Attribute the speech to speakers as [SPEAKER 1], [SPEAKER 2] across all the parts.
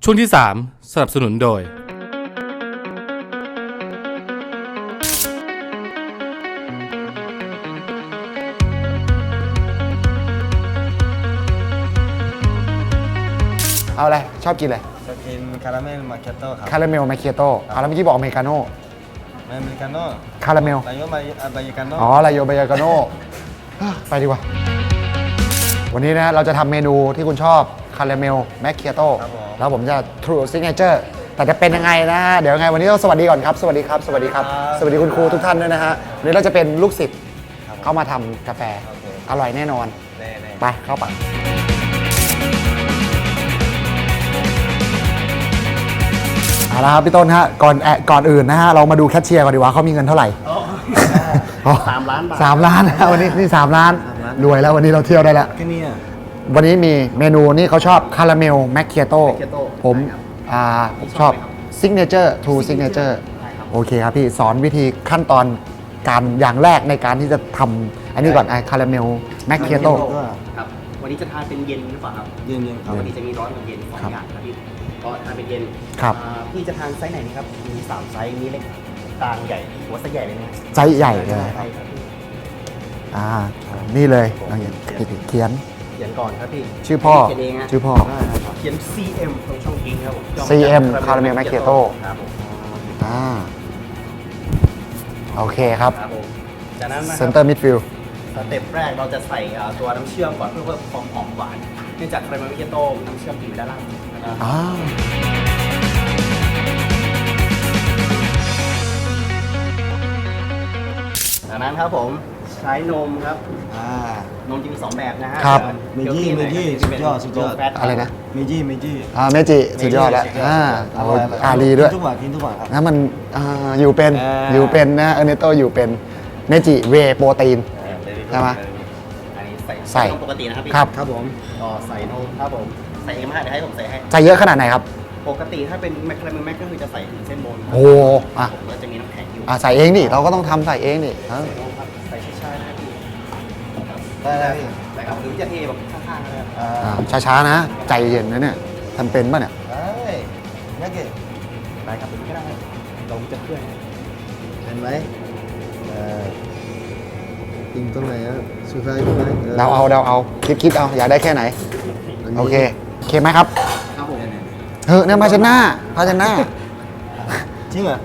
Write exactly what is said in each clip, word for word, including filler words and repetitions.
[SPEAKER 1] ช่วงที่สามสนับสนุนโดย
[SPEAKER 2] เอาอะไรชอบกินอะไร
[SPEAKER 3] จะกินคาราเมลมาเคียโต้ครับ
[SPEAKER 2] คาราเมลมาเคียโต้เอาแล้วเมื่อกี้บอกอเมริกาโน่
[SPEAKER 3] ไม่อเมริกาโน่
[SPEAKER 2] คาราเมล
[SPEAKER 3] ลายโยมาบายกาโน่
[SPEAKER 2] อ๋อลายโยบายากาโน่ไปดีกว่าวันนี้นะเราจะทำเมนูที่คุณชอบคาราเมลแมคเคียโต้แล้วผมจะ True Signature แต่จะเป็นยังไงนะฮะเดี๋ยวไงวันนี้ต้องสวัสดีก่อนครับสวัสดีครับสวัสดีครับสวัสดีคุณครูทุกท่านด้วยนะฮะวันนี้เราจะเป็นลูกศิษย์เข้ามาทำกาแฟอร่อยแน่นอนไปเข้าปากเอาละครับพี่ต้นฮะก่อนแอก่อนอื่นนะฮะเรามาดูแคชเชียร์ก่อนดีกว่าเขามีเงินเท่าไหร่
[SPEAKER 3] สามล้านบาท
[SPEAKER 2] สามล้านนะวันนี้นี่สามล้านรวยแล้ววันนี้เราเที่ยวได้แล้ว
[SPEAKER 3] แค่นี้
[SPEAKER 2] วันนี้มีเมนูนี่เขาชอบคาราเมลแมคเคียโต้ผมอ่าชอบซิกเนเจอร์ทูซิกเนเจอร์โอเคครับพี่สอนวิธีขั้นตอนการอย่างแรกในการที่จะทำอันนี้ก่อนไอ้คาราเมลแมคเคียโต้
[SPEAKER 4] ครับวันนี้จะทานเป็นเย็นหรือเปล่าครับ
[SPEAKER 3] เย็นเย็นครับ
[SPEAKER 4] วันนี้จะมีร้อนกับเย็นสองอย่างครับพี่ก็ทานเป็นเย็น
[SPEAKER 2] ครับ
[SPEAKER 4] พี่จะทานไซส์ไหนนี่ครับมีสามไซส์มีเล็กกลางใหญ่หัวไซส์ใหญ่เลยนะ
[SPEAKER 2] ไซส์ใหญ่เลย
[SPEAKER 4] ใช่ครับพี่
[SPEAKER 2] อ่านี่เลยเราเขียน
[SPEAKER 4] เขียนก่อนครับพี่
[SPEAKER 2] ชื่อพ่อ
[SPEAKER 4] เขียนเองฮะ
[SPEAKER 2] ชื่อพ่อ
[SPEAKER 4] เขียน ซี เอ็ม ตรงช่องกิ้งครับผม
[SPEAKER 2] ซี เอ็ม คาราเมลแมคเคียโต้
[SPEAKER 4] ครับผม
[SPEAKER 2] อ่าโอเคครับ
[SPEAKER 4] ครับผมจากนั้นนะค
[SPEAKER 2] เซ
[SPEAKER 4] รับ
[SPEAKER 2] นเตอร์มิดฟิลด์
[SPEAKER 4] สเต็ปแรกเราจะใส่ตัวน้ำเชื่อมก่อนเพื่อเพิ่มความหอมหวานเนื่องจากคาราเมลแมคเคียโต้น้ำเชื่อมอยู่ด้านล่างนะครับ
[SPEAKER 2] อ่า
[SPEAKER 4] จากนั้นครับผมใช้นมครับ
[SPEAKER 3] อ่าน
[SPEAKER 4] มจะมีสองแบบนะฮะ
[SPEAKER 2] ครับ
[SPEAKER 3] เมจิเมจิสุดยอดสุดยอด
[SPEAKER 2] อะไรนะ
[SPEAKER 3] เมจิเมจิ
[SPEAKER 2] อ่าเมจิสุดยอดแล้วอ่าเอาอารีด้วย
[SPEAKER 3] กินทุกวันกินทุกวันครับ
[SPEAKER 2] นะมันอ่าอยู่เป็น
[SPEAKER 3] อ่า
[SPEAKER 2] อยู่เป็นนะเอเนโตอยู่เป็นเมจิเวโปรตีน ใช่ไหม
[SPEAKER 4] อันนี้ใส่
[SPEAKER 2] ใส่
[SPEAKER 4] นมปกตินะครับพี่
[SPEAKER 2] ครับ
[SPEAKER 3] ครับผม
[SPEAKER 4] ก็ใส่นมครับผมใส่เองมาเดี๋ยวให้ผมใส่ให้
[SPEAKER 2] ใส่เยอะขนาดไหนครับ
[SPEAKER 4] ปกติถ้าเป็นแมคคาราเมลแมคก็คือจะใส่ถึงเส้นบน
[SPEAKER 2] โอ้อ่ะ
[SPEAKER 4] ผมก็จะมีน้ำแข็งอยู่
[SPEAKER 2] อ่ะใส่เองดิเราก็ต้องทำใส่เองดิอ่ะ
[SPEAKER 4] ใส่นมครับใส่ช้าๆนะครับพี่
[SPEAKER 3] ได้ได้พี่
[SPEAKER 4] ใส่ครับหรือจะเทแบบข้างๆก็ได้ครับ
[SPEAKER 3] อ่า
[SPEAKER 2] อ่าช้าๆนะ ใจเย็นนะเนี่ยทำเป็นป่ะเนี่ย
[SPEAKER 3] ได้ยักษ์เก๋
[SPEAKER 4] ได้ครับหรือก็ได้เราจะเคลื่อน
[SPEAKER 3] เห็นไหมเอ่อกินตรงไหนอ่ะสุดท้ายตรงไหน
[SPEAKER 2] เดาเอาเดาเอาคิดคิดเอาอยากได้แค่ไหนโอเคโอเคไหมครับ
[SPEAKER 4] ครับผม
[SPEAKER 2] เฮ้ยเนี่ยภาชนะภาชนะ
[SPEAKER 3] จริงเหรอ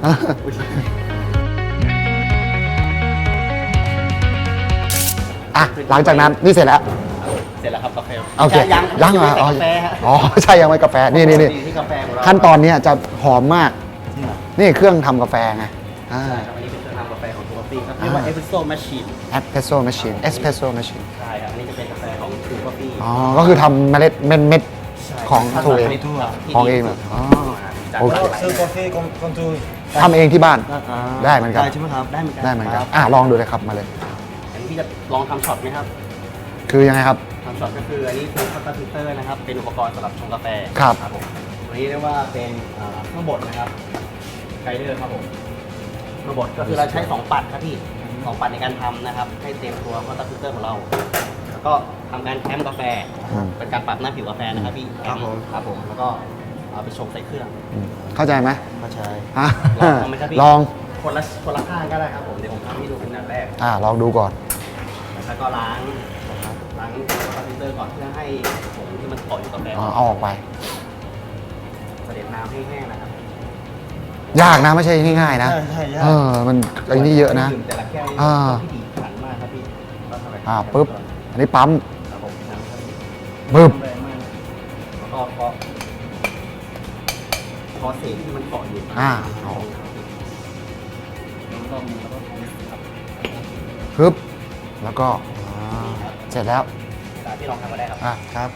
[SPEAKER 2] อ่ะหลังจากนั้นนี่เสร็จแล้ว
[SPEAKER 4] เสร็จแล้วครับกาแฟ
[SPEAKER 2] โอเค
[SPEAKER 4] ยัง
[SPEAKER 2] ยังเหรอ
[SPEAKER 4] อ๋
[SPEAKER 2] อ๋
[SPEAKER 4] อ
[SPEAKER 2] อ
[SPEAKER 4] กาแฟฮะ
[SPEAKER 2] อ๋อใช่ยังไม่กาแฟนี่นี่นี่
[SPEAKER 4] ที่กาแฟของเรา
[SPEAKER 2] ขั้นตอนเนี้ยจะหอมมาก
[SPEAKER 3] จริงเหรอ
[SPEAKER 2] นี่เครื่องทำกาแฟไงอ่า
[SPEAKER 4] ใช่ครับอันนี้เป็นเครื่องทำกาแฟของตัวปี้ครับเรียกว่า Espresso Machine
[SPEAKER 2] เอสเพรสโซ่แมชชีนเอสเพรสโซ่แมชชีน
[SPEAKER 4] ใช่ครับอันนี้จะเป็นกาแฟของ True Coffee
[SPEAKER 2] อ๋อก็คือทำเมล็ดเม็ดเม็ด ของ True เอง
[SPEAKER 4] ที่
[SPEAKER 2] ของเองเหรออ๋อ
[SPEAKER 4] จาก
[SPEAKER 2] โอเค
[SPEAKER 3] ซื้อกาแฟของคนทู
[SPEAKER 2] ทำเองที่บ้าน ได้เหมือนกัน
[SPEAKER 3] ได้ใช่ไหมครับ
[SPEAKER 4] ได้เหมือนกัน
[SPEAKER 2] ได้เหมือนกันอ่ะลองดูเลยครับมาเลย
[SPEAKER 4] อันนี้พี่จะลองทำช็อตไหมครับ
[SPEAKER 2] คือยังไงครับ
[SPEAKER 4] ทำช็อตก็คืออันนี้คือคัตเตอร์ฟิลเตอร์นะครับเป็นอุปกรณ์สำหรับชงกาแฟ
[SPEAKER 2] ครับ
[SPEAKER 4] ผมตัวนี้เรียกว่าเป็นอ่าเครื่องบดนะครับไกเดอร์ครับผมเครื่องบดก็คือเราใช้สองปัดครับพี่สองปัดในการทำนะครับให้เต็มตัวคัตเตอร์ฟิลเตอร์ของเราแล้วก็ทำการแคมกาแฟ
[SPEAKER 2] อืม
[SPEAKER 4] เป็นการปรับหน้าผิวกาแฟนะครับพี่ครับผมครับผมแล้วก็เอาไปชงใส่เครื่อง
[SPEAKER 2] อืมเข้าใจไหม
[SPEAKER 3] มาใช้
[SPEAKER 2] อ่ะ
[SPEAKER 4] ลองไหมครับพี่
[SPEAKER 2] ลอง
[SPEAKER 4] คนละคนละข้างก็ได้ครับผมเดี๋ยวผมทำให้ดูเป็นอันแรก
[SPEAKER 2] อ่ะลองดูก่อน
[SPEAKER 4] แล้วก็ล้างล้างคอมพิวเตอร์ก่อนเพื่อให้ผงที่มันเกาะอยู่กับแป้ง
[SPEAKER 2] อ๋อเอาออกไป
[SPEAKER 4] เสด็จน้ำให้แห้งนะครับ
[SPEAKER 2] ยากนะไม่ใช่ง่ายๆนะ
[SPEAKER 3] ใช่ใช่ยาก
[SPEAKER 2] เออมันไอ้นี่เยอะนะ
[SPEAKER 4] แต่ละแก้ว
[SPEAKER 2] อ่า
[SPEAKER 4] พิถีพิถันมากครับพี่ก็ทำแบบ
[SPEAKER 2] อ่าปุ๊บอันนี้ปั๊ม
[SPEAKER 4] ครับผมน้ำครับพี่
[SPEAKER 2] ปึ๊บ
[SPEAKER 4] แรงมากแล้วก็พอพอเศษที่มันเกาะอยู่
[SPEAKER 2] อ่า
[SPEAKER 4] เอาแล้วก็มีแล้วก็ครับ
[SPEAKER 2] ปึ๊บแล้วก็อ่าเสร็จแล้ว
[SPEAKER 4] ตามที่ลองทำมาได้ครับ
[SPEAKER 2] อ่ะครับ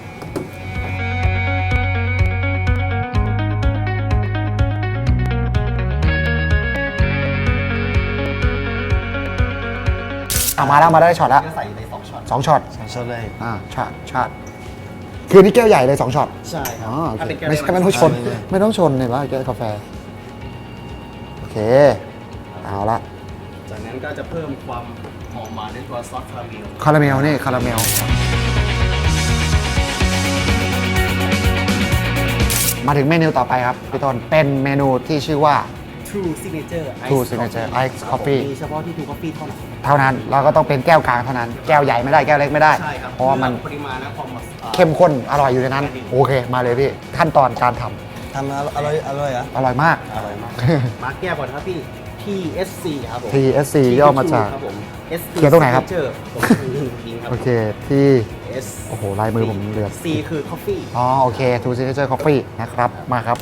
[SPEAKER 2] อ่ะมาแล้วมาได้ช็อตแล้ว
[SPEAKER 4] ก็ใส่ในสองช็อต
[SPEAKER 2] สองช็อต
[SPEAKER 3] สองช็อตเลย
[SPEAKER 2] อ่าช็อตช็อตคือนี่แก้วใหญ่เลยสองช็อต
[SPEAKER 4] ใช่ครั
[SPEAKER 2] อ๋อโอ
[SPEAKER 4] ถ้า
[SPEAKER 2] เค
[SPEAKER 4] เป็นแก้ว
[SPEAKER 2] ไม่ใช่ไม่ต้องชน ไม่ต้องชนเลยว่าแก้วกาแฟโอเคเอาละ
[SPEAKER 4] จากนั้นก็จะเพิ่มความหอมหวานด้วยตัวซอสคาราเมล
[SPEAKER 2] คาราเมลนี่คาราเมลมาถึงเมนูต่อไปครับพี่ต้นเป็นเมนูที่ชื่อว่า
[SPEAKER 4] True Signature Ice
[SPEAKER 2] True Signature Ice Coffee
[SPEAKER 4] มีเฉพาะที่ True Coffee เท่านั้น
[SPEAKER 2] เท่านั้นเราก็ต้องเป็นแก้วกลางเท่านั้นแก้วใหญ่ไม่ได้แก้วเล็กไม่ได้
[SPEAKER 4] ใช่ครับ
[SPEAKER 2] เพราะว่ามัน
[SPEAKER 4] ปริมาณและความอ่อ
[SPEAKER 2] เข้มข้นอร่อยอยู่ในนั้น โอเคมาเลยพี่ขั้นตอนการทำ
[SPEAKER 3] ทำอร่อยอร่อยอ่ะ
[SPEAKER 2] อร่อยมาก
[SPEAKER 4] อร่อยมาก มาแก้วก่อนครับพี่ ที เอส ซี ครับผม
[SPEAKER 2] ที เอส ซี ย่อมาจาก
[SPEAKER 4] ครับผม S
[SPEAKER 2] เขียนตรงไหนครับ
[SPEAKER 4] Signature ผมคือยิงครับ
[SPEAKER 2] โอเคที่
[SPEAKER 4] S
[SPEAKER 2] โอ้โหลายมือผมเลือด
[SPEAKER 4] C คือ Coffee
[SPEAKER 2] อ๋อโอเค True Signature Coffee นะครับมาครับ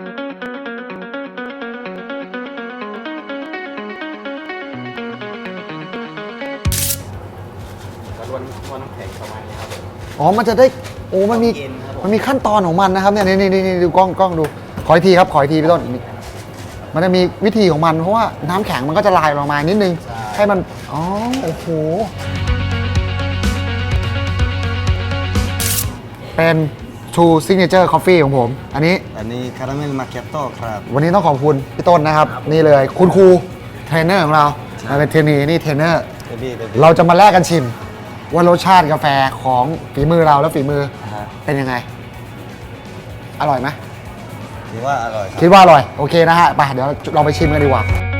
[SPEAKER 4] แล้วล้วนล้วนน้ำแข็งประมาณนี้ครับผม
[SPEAKER 2] อ๋อมันจะได้โอ้มันมี
[SPEAKER 4] เย็นครับผม
[SPEAKER 2] มันมีขั้นตอนของมันนะครับเนี่ยนี่นี่นี่ดูกล้องกล้องดูขออีกทีครับขออีกทีพี่ต้นมันจะมีวิธีของมันเพราะว่าน้ำแข็งมันก็จะลายลงมานิดนึงให้มันอ๋อโอ้โหเป็น True Signature Coffee ของผม อันนี้
[SPEAKER 3] อันนี้คาราเมลมาเกตโต้ครับ
[SPEAKER 2] วันนี้ต้องขอบคุณพี่ต้นนะครับ นี่เลยคุณครูเทรนเนอร์ของเรามาเป็นเทรนนีนี่เทรนเนอร์
[SPEAKER 3] เบบี้เบบี้
[SPEAKER 2] เราจะมาแลกกันชิม ว่ารสชาติกาแฟของฝีมือเราและฝีมือ
[SPEAKER 3] ฮะ
[SPEAKER 2] เป็นยังไง อร่อยไหม
[SPEAKER 3] ถือว่าอร่อยครับ
[SPEAKER 2] คิดว่าอร่อย โอเคนะฮะไปเดี๋ยวเราไปชิมกันดีกว่า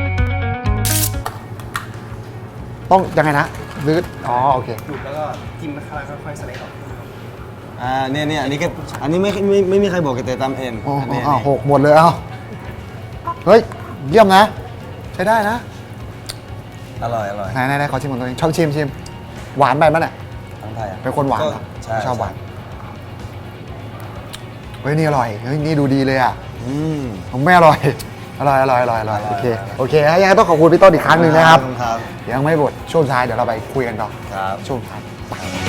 [SPEAKER 2] ต้องยังไงนะหรืออ๋อโอเค
[SPEAKER 4] ดูดแล้วก็จิ้มแล้วค่อยๆสไลด์ออก
[SPEAKER 3] อ่าเนี่ยเนี่ยอันนี้ก็อันนี้ไม่ไม่ไม่มีใครบอกกันแต่ตามเอง
[SPEAKER 2] อ๋อ
[SPEAKER 3] อันนี้
[SPEAKER 2] อ๋อ
[SPEAKER 3] อันนี้
[SPEAKER 2] หกหมดเลยเอาเฮ้ย เยี่ยมนะ ใช้ได้นะ
[SPEAKER 3] อร่อยอร่อย
[SPEAKER 2] ไหนไหนไหนขอชิมของตัวเองชอบชิมชิม หวานไปมั้ยเนี่ย
[SPEAKER 3] ทั้งไทยอ่ะ
[SPEAKER 2] เป็นคนหวานเหรอ
[SPEAKER 3] ใช่
[SPEAKER 2] ชอบหวาน เฮ้ย นี่อร่อย เฮ้ย นี่ดูดีเลยอ่ะ
[SPEAKER 3] อืม
[SPEAKER 2] ผมไม่อร่อย อร่อย อร่อย อร่อย อร่อย
[SPEAKER 3] อร่อย
[SPEAKER 2] โอเค
[SPEAKER 3] อร่อย
[SPEAKER 2] โอเคยังไงต้องขอบคุณพี่ต้นอีกครั้งหนึ่งนะครับ
[SPEAKER 3] ครับ
[SPEAKER 2] ยังไม่หมดช่วงท้ายเดี๋ยวเราไปคุยกันต่อ
[SPEAKER 3] ครับ
[SPEAKER 2] ช่วงท้ายไป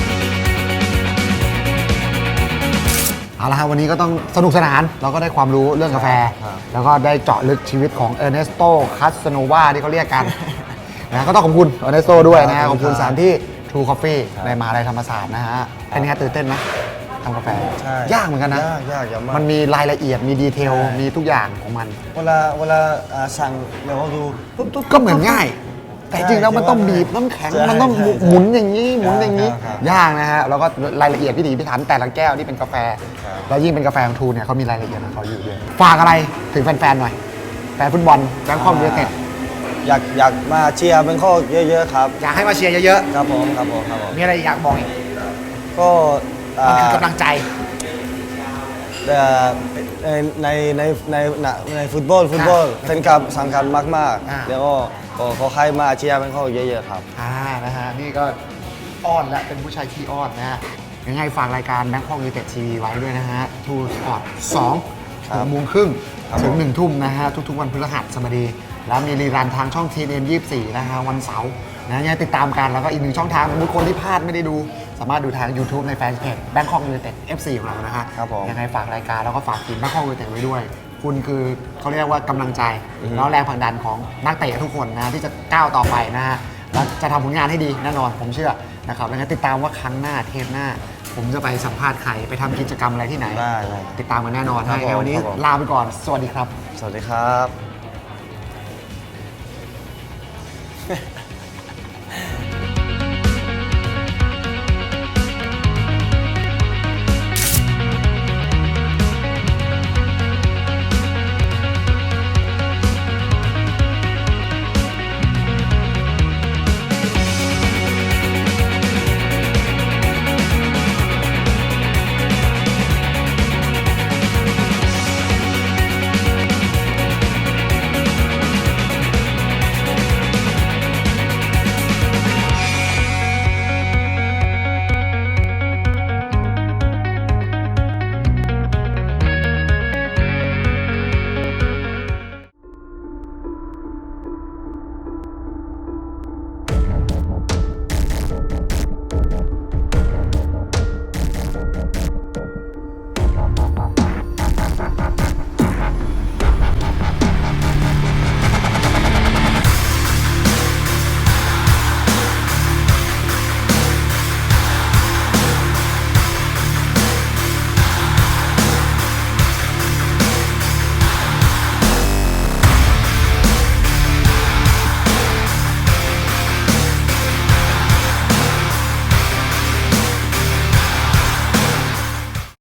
[SPEAKER 2] เอาละครับวันนี้ก็ต้องสนุกสนาน เราก็ได้ความรู้เรื่องกาแฟ
[SPEAKER 3] ครับ
[SPEAKER 2] แล้วก็ได้เจาะลึกชีวิตของเออร์เนสโตคาสโนวาที่เขาเรียกกัน นะก็ต้องขอบคุณเออร์เนสโตด้วยนะฮะขอบคุณสถานที่ True Coffee ในมหาลัยธรรมศาสตร์นะฮะเป็นไงตื่นเต้นไหมทำกาแฟ
[SPEAKER 3] ใช่
[SPEAKER 2] ยากเหมือนกันนะ
[SPEAKER 3] ยากยากยากมาก
[SPEAKER 2] มันมีรายละเอียดมีดีเทล
[SPEAKER 3] ใช่
[SPEAKER 2] มีทุกอย่างของมัน
[SPEAKER 3] เวลาเวลาอ่าสั่งเดี๋ยวเราดูปุ๊บปุ๊บ
[SPEAKER 2] ก็เหมือนง่าย แต่จริงๆแล้วมันต้องบีบน้ำแข็ง
[SPEAKER 3] ใช่
[SPEAKER 2] มันต้อง
[SPEAKER 3] ใช่ใช่
[SPEAKER 2] หมุนอย่างนี้หมุนอย่างนี้
[SPEAKER 3] ครับ
[SPEAKER 2] ยากนะฮะแล้วก็รายละเอียดพิถีพิถันแต่ละแก้วที่เป็นกาแฟ
[SPEAKER 3] ครับ
[SPEAKER 2] แล้วยิ่งเป็นกาแฟของทูเนี่ยเขามีรายละเอียดของเขาอยู่ด้วยฝากอะไรถึงแฟนๆหน่อยแฟนฟุตบอลแบงคอกยูไนเต็ด
[SPEAKER 3] อยากอยากมาเชียร์เป็นข้อเยอะๆครับ
[SPEAKER 2] อยากให้มาเชียร์เยอะ
[SPEAKER 3] ครับผมครับผมครับผม
[SPEAKER 2] ๆมีอะไรอยากบอกอีก
[SPEAKER 3] ก็อ่า
[SPEAKER 2] มันคือกำลังใจ
[SPEAKER 3] เอ่อในในในในในฟุตบอลฟุตบอลเป็นกับสำคัญมาก
[SPEAKER 2] อ่า
[SPEAKER 3] ๆแล้วก็ขอขอใครมาเชียร์เป็นข้อเยอะๆครับ
[SPEAKER 2] อ่านะฮะนี่ก็อ้อนและเป็นผู้ชายขี้อ้อนนะฮะยังไงฝากรายการแบงคอกยูไนเต็ดทีวีไว้ด้วยนะฮะทูสปอร์ตสอง
[SPEAKER 3] ครั
[SPEAKER 2] ถึ
[SPEAKER 3] บ
[SPEAKER 2] งโมงครึ่ง
[SPEAKER 3] ครับ
[SPEAKER 2] ถึง
[SPEAKER 3] ผม
[SPEAKER 2] หนึ่งทุ่มนะฮะทุกๆวันพฤหัสบดี แล้วมีรีรันทางช่องทีเอ็นยี่สิบสี่นะฮะวันเสาร์นะยังไงติดตามกันแล้วก็อีกหนึ่งช่องทางสำหรับคนที่พลาดไม่ได้ดู สามารถดูทาง YouTube ในแฟนเพจ Bangkok United เอฟ ซี ของเรานะฮะ
[SPEAKER 3] ครับผม
[SPEAKER 2] ยังไงฝากรายการแล้วก็ฝากทีม Bangkok United ไว้ด้วย คุณคือเขาเรียกว่ากำลังใจแล้วแรงผลักดันของนักเตะทุกคนนะที่จะก้าวต่อไปนะฮะแล้วจะทำผลงานให้ดีแน่นอนผมเชื่อนะครับยังไงติดตามว่าครั้งหน้าเทปหน้า ผมจะไปสัมภาษณ์ใครไปทำกิจกรรมอะไรที่ไหน
[SPEAKER 3] ได้ได้
[SPEAKER 2] ติดตามกันแน่นอน
[SPEAKER 3] ครับ
[SPEAKER 2] ให้วันนี้
[SPEAKER 3] ผมครับผม
[SPEAKER 2] ลาไปก่อนสวัสดีครับ
[SPEAKER 3] สวัสดีครับ